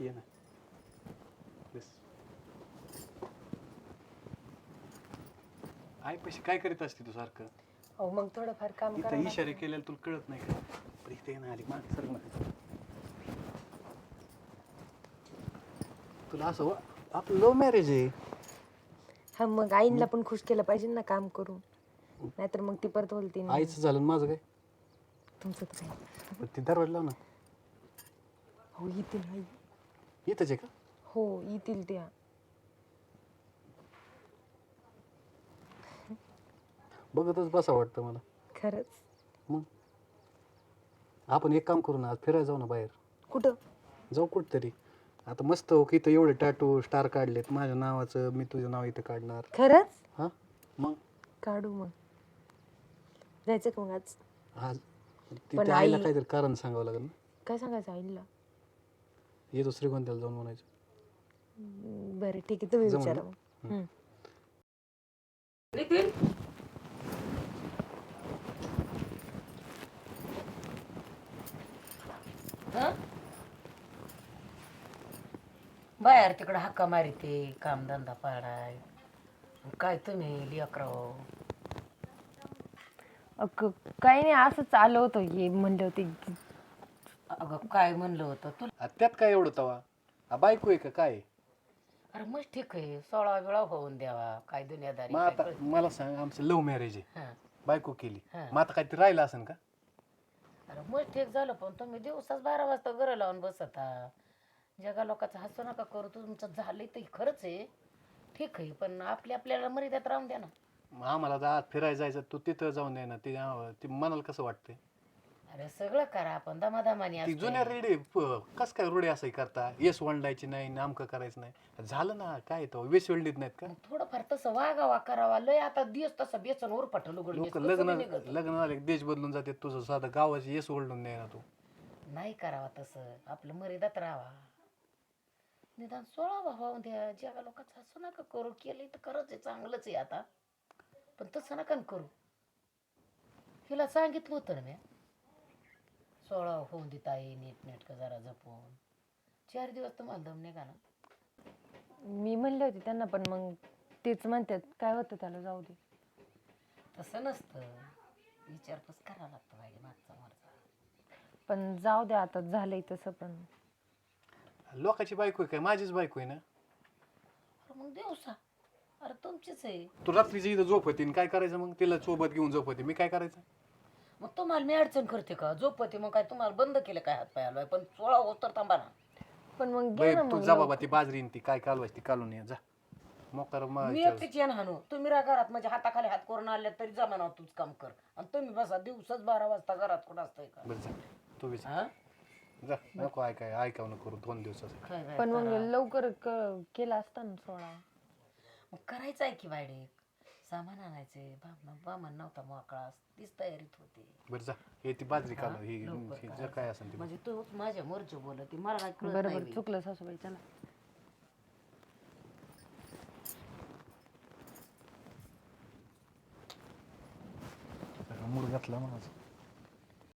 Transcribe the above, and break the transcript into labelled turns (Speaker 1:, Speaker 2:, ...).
Speaker 1: ये ना बस. आई पैसे काय करीत असते तू सारखं
Speaker 2: अहो मग थोडंफार काम
Speaker 1: इथं
Speaker 2: करा.
Speaker 1: इशारे केलेला तुला कळत नाही का? पण इथे ये ना आली मागे सर ना तुला असं आपलं लव्ह मॅरेज आहे.
Speaker 2: हा मग आईला पण खुश केलं पाहिजे ना काम करून, नाहीतर मग ती परत बोलते
Speaker 1: आईचं झालं आणि माझं काय?
Speaker 2: तुमचं तर काय.
Speaker 1: पण ती दरवाजा लाव ना.
Speaker 2: हो येतील आई.
Speaker 1: इथंच आहे का?
Speaker 2: हो येतील त्या.
Speaker 1: बघतच बसा वाटतं मला.
Speaker 2: खरंच.
Speaker 1: मग आपण एक काम करू ना, आज फिरायला जाऊ ना बाहेर.
Speaker 2: कुठं?
Speaker 1: जाऊ कुठतरी. आता मस्त हो की इथं एवढे टॅटू स्टार काढलेत माझ्या नावाचं, मी तुझं नाव इथं काढणार.
Speaker 2: खरंच
Speaker 1: हा मग
Speaker 2: काढू. मग जायचं का मग आज?
Speaker 1: आज
Speaker 2: पण
Speaker 1: तिथे आईला
Speaker 2: आई-
Speaker 1: काहीतरी कारण सांगावं लागेल ना.
Speaker 2: काय सांगायचं आईला?
Speaker 1: येतो श्रीगोंद्याला जाऊन म्हणायचं.
Speaker 2: बरं ठीक आहे, तुम्ही
Speaker 1: जमलं
Speaker 2: विचारा
Speaker 1: ना?
Speaker 2: मग. हम्म.
Speaker 3: नितीन बाहेर तिकडं हक्का मारिते कामधंदा पाडाय. काय तुम्ही लेकराव
Speaker 2: काही नाही, असंच आलं होतं. ये म्हणलं होते.
Speaker 3: अगं काय म्हणलं होतं तू?
Speaker 1: त्यात काय एवढं तवा बायको आहे का काय?
Speaker 3: अरे मग ठीक आहे, 16 वेळा होऊन द्यावा, काय दुनियादारी
Speaker 1: मग
Speaker 3: काय
Speaker 1: आता
Speaker 3: कळतं?
Speaker 1: मला सांग, आमचं लव्ह मॅरेज आहे,
Speaker 3: हा.
Speaker 1: बायको केली,
Speaker 3: हा.
Speaker 1: मग आता काहीतरी राहिलं असेल का?
Speaker 3: अरे मग ठीक झालं, पण तुम्ही दिवसाच 12 वाजता घरं लावून बसता. जगा लोकांचं हसू नका करू. तुमचं झालंय तर खरंच आहे, ठीक आहे, पण आपल्याला मर्यादेत राहून द्या ना.
Speaker 1: मग आम्हाला आज फिरायला जायचं, तू तिथं जाऊन दे ना. ती मनाला कसं वाटतंय?
Speaker 3: अरे सगळं करा आपण दमादमाने
Speaker 1: ती
Speaker 3: असतंय.
Speaker 1: जुन्या रेडी कस काय रुढे असं करता, येस वंडायची नाही, नामकं करायचं नाही. झालं ना, काय तो वेस वेल्डीत नाहीत का?
Speaker 3: मग थोडंफार तसं वागावा करावा. लय आता दिवस तसं बेसन उरपाट लुगड
Speaker 1: लोक लग्न झाले की देश बदलून जाते. तुझं साधं गावाची येस ओल्डून नाही ना तू.
Speaker 3: नाही करावा तसं, आपलं मर्यादात राहावा. निदान 16 वाहून द्या. जगा लोकांचं असं नका करू. केलं तर खरंच आहे, चांगलंच आहे आता, पण तसं नका करू. हिला सांगितलं होतं ना मी, 16 होऊन देत आहे, नीट नेटकं जरा जपून. 4 दिवस तुम्हाला दम निघा ना.
Speaker 2: मी म्हणले होते त्यांना, पण मग तेच म्हणतात काय होतं त्याला, जाऊ दे.
Speaker 3: तसं नसतं, विचारपूस करावं लागतं पाहिजे मागचा मारचा.
Speaker 2: पण जाऊ दे, आता झालंय तसं. पण
Speaker 1: लोकांची बायको आहे काय, माझीच बायको आहे ना.
Speaker 3: अरे मग दिवसा, अरे तुमचीच आहे.
Speaker 1: तू रात्रीची इथं झोप होती, काय करायचं मग? तिला सोबत घेऊन झोप होती, मी काय करायचं?
Speaker 3: मग तुम्हाला मी अडचण करते का? झोपते मग काय तुम्हाला बंद केलं काय हात पाय हलवाय? पण 16 होत तर थांबा ना.
Speaker 2: पण मग घे
Speaker 1: बाई
Speaker 2: ना
Speaker 1: तू
Speaker 2: मग
Speaker 1: जा बाबा, ती बाजरी ती काय कालवायची ती कालून ये जा. मोकार
Speaker 3: मी एकटीच येण हाणू. तुम्ही घरात म्हणजे हाताखाली हात करून आले तरी जमा ना, तूच काम कर. आणि तुम्ही बसा दिवसाच 12 वाजता घरात कुठं असतंय का?
Speaker 1: बरं जा तू बी जा.
Speaker 3: हा?
Speaker 1: जा नको ऐकावं नको करू 2 दिवसाचं.
Speaker 3: काय काय
Speaker 2: पण मग
Speaker 3: करा.
Speaker 2: लवकर केलं असतं ना 16.
Speaker 3: मग करायचं आहे की वाईडे, सामान आणायचे. बामण नव्हता मोकळा, तीच तयारीत होती.
Speaker 1: बरं जा, हे ती बाजरी कालव
Speaker 3: लवकर
Speaker 1: ही
Speaker 3: करायचं.
Speaker 1: जर काय असेल ती.
Speaker 3: म्हणजे तूच माझ्या मोरची बोलती, मला काय कळत
Speaker 2: बरोबर,
Speaker 3: नाही.
Speaker 2: चुकलं सासूबाई, चला.
Speaker 1: मूड घातला माझा.